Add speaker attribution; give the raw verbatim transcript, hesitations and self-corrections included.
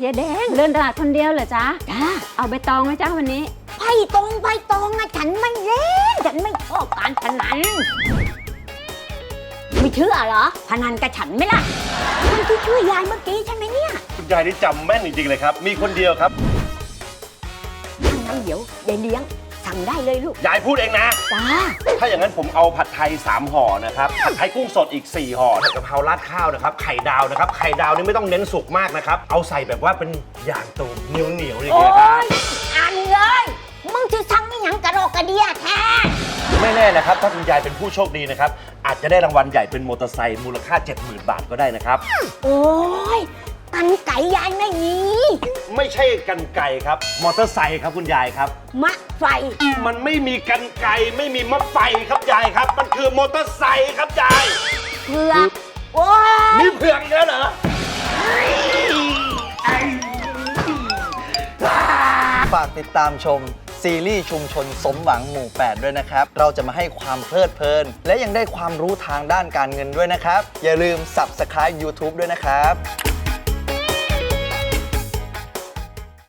Speaker 1: จ๊แดงเดินตลาดคนเดียวเหรอจ๊ะ
Speaker 2: จ้า
Speaker 1: เอาใบตองไหมจ๊ะวันนี้
Speaker 2: ไพ่ตรงไพ่ตองอะฉันไม่เล่นฉันไม่ชอบการพนันไม่เชื่อเหรอพนันกับฉันไหมล่ะคนที่ช่วยยายเมื่อกี้ใช่ไหมเนี่ย
Speaker 3: คุณยายนี่จำแม่นจริงๆเลยครับมีคนเดียวครับ
Speaker 2: ถ้างั้นเดี๋ยวยายเลี้ยงสั่งได้เลยลูก
Speaker 3: ยายพูดเองนะ
Speaker 2: จ้า
Speaker 3: ถ้าอย่างนั้นผมเอาผัดไทยสามห่อนะครับผัดไทยกุ้งสดอีกสี่ห่อผัดกะเพราราดข้าวนะครับไข่ดาวนะครับไข่ดาวนี่ไม่ต้องเน้นสุกมากนะครับเอาใส่แบบว่าเป็นอย่างตูเหนียวเหนียวๆอย่าง
Speaker 2: โอ้
Speaker 3: เงี้ยครับ
Speaker 2: ยอันเลยมึงจะสั่งนี่หยังกระโดกกระเดียแท้
Speaker 3: ไม่แน่นะครับถ้าคุณยายเป็นผู้โชคดีนะครับอาจจะได้รางวัลใหญ่เป็นมอเตอร์ไซค์มูลค่า เจ็ดหมื่น บาทก็ได้นะครับ
Speaker 2: โอ้ยกันไก่ยายไม่มี
Speaker 3: ไม่ใช่กันไก่ครับมอเตอร์ไซค์ครับคุณยายครับ
Speaker 2: มะไฟ
Speaker 3: มันไม่มีกันไก่ไม่มีมะไฟครับยายครับมันคือมอเตอร์ไซค์ครับยาย
Speaker 2: เผือกโอ้ย
Speaker 3: มีเผือกอีกแล้วเหรอ
Speaker 4: ฝากติดตามชมซีรีส์ชุมชนสมหวังหมู่ แปด ด้วยนะครับ เราจะมาให้ความเพลิดเพลิน และยังได้ความรู้ทางด้านการเงินด้วยนะครับ อย่าลืม ซับสไครบ์ ยูทูบ ด้วยนะครับ